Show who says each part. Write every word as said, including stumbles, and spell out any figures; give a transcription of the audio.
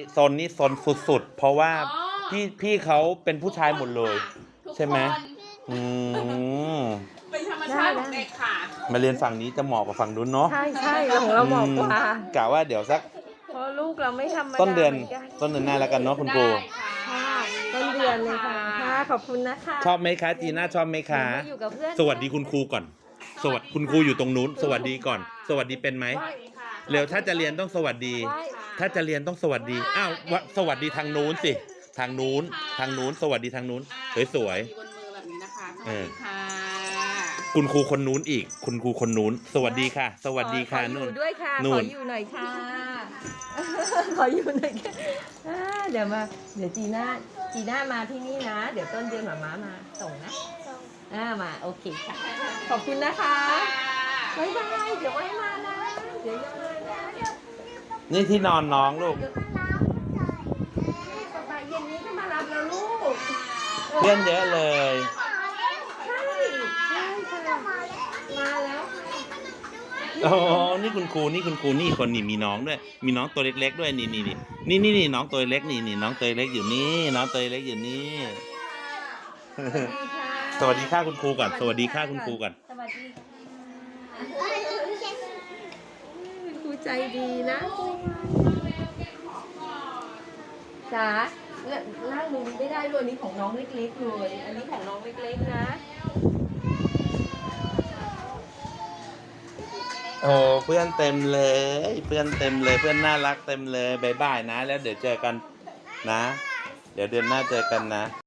Speaker 1: โซนนี้โซนสุดๆเพราะว่าพี่พี่เขาเป็นผู้ชายหมดเลยใช่ไหมอืม
Speaker 2: เป็นธรรมชาติของเด็กค่ะ
Speaker 1: มาเรียนฝั่งนี้จะเหมาะกับฝั่งนู้นเนาะ
Speaker 3: ใช่ใช่ของเราเหมาะกว่าก
Speaker 1: ะว่าเดี๋ยวสัก
Speaker 3: เพราะลูกเราไม่ธรรมดา
Speaker 1: ต้นเดือน
Speaker 3: หมืกั
Speaker 1: ต้นเดือนหน้าแล้วกันเนาะคุณครู
Speaker 3: ค่ะต้นเดือนเลยค่ะค่ะขอบคุณนะคะ
Speaker 1: ชอบไหมคะจีน่าชอบไหมคะ
Speaker 3: มาอยู่กับเพื่อน
Speaker 1: สวัสดีคุณครูก่อน สวัสดีคุณครูอยู่ตรงนู้น สวัสดีก่อน สวัสดีเป็นไหมเร็วถ้าจะเรียนต้องสวัสดี
Speaker 3: ไหว้
Speaker 1: ถ้าจะเรียนต้องสวัสดีอ้าววะสวัสดีทางนู้นสิทางนู้นทางนู้น สวัสดีทางนู้นสวย
Speaker 2: มีบนมือแบบนี้นะคะส
Speaker 1: เอ
Speaker 2: วัส
Speaker 1: อ
Speaker 2: ดีค่ะ
Speaker 1: ๆคุณครูคนนู้นอีก คุณครูคนนู้น สวัสดีค่ะ สวัสดีค่ะ
Speaker 3: ขออ
Speaker 1: นู่น
Speaker 3: ยู่ด้วยค่ะ
Speaker 1: นู่
Speaker 3: ขอน อยู่หน่อยค่ะ ขออยู่หน่อยค่ะอ่าเดี๋ยวมา เดี๋ยวจีน่าจีน่ามาที่นี่นะ เดี๋ยวต้นเดือนหมาม้ามาส่งนะอ่ามาโอเคค่ะ ขอบคุณนะคะบ๊ายบายเดี๋ยวไว้มานะ เดี๋ยวยังมานะ
Speaker 1: นี่ที่นอนน้องลูก
Speaker 3: สบายเย็นนี้ก็มารับแล้วลูก
Speaker 1: เพื่อนเยอะเลย
Speaker 3: ใช่ใช่ค่ะมาแล้ว
Speaker 1: อ๋อ นี่คุณครู นี่คุณครู นี่คนนี่มีน้องด้วย มีน้องตัวเล็กๆด้วย นี่นี่นี่นี่นี่นี่น้องตัวเล็กนี่นี่น้องตัวเล็กอยู่นี่ น้องตัวเล็กอยู่นี่ สวัสดีค่ะคุณครูก่อน สวัสดีค่ะคุณครูก่อน
Speaker 3: สวัสดีค่ะครูใจดีนะจ๋านั่งดูไม่ได้ด้วยอันนี้ของน้องเล็กๆเลย อันนี้ของน้องเล็กๆนะ
Speaker 1: โอ้เพื่อนเต็มเลย เพื่อนเต็มเลย เพื่อนน่ารักเต็มเลยบายบายนะ แล้วเดี๋ยวเจอกันนะ เดี๋ยวเดือนหน้าเจอกันนะ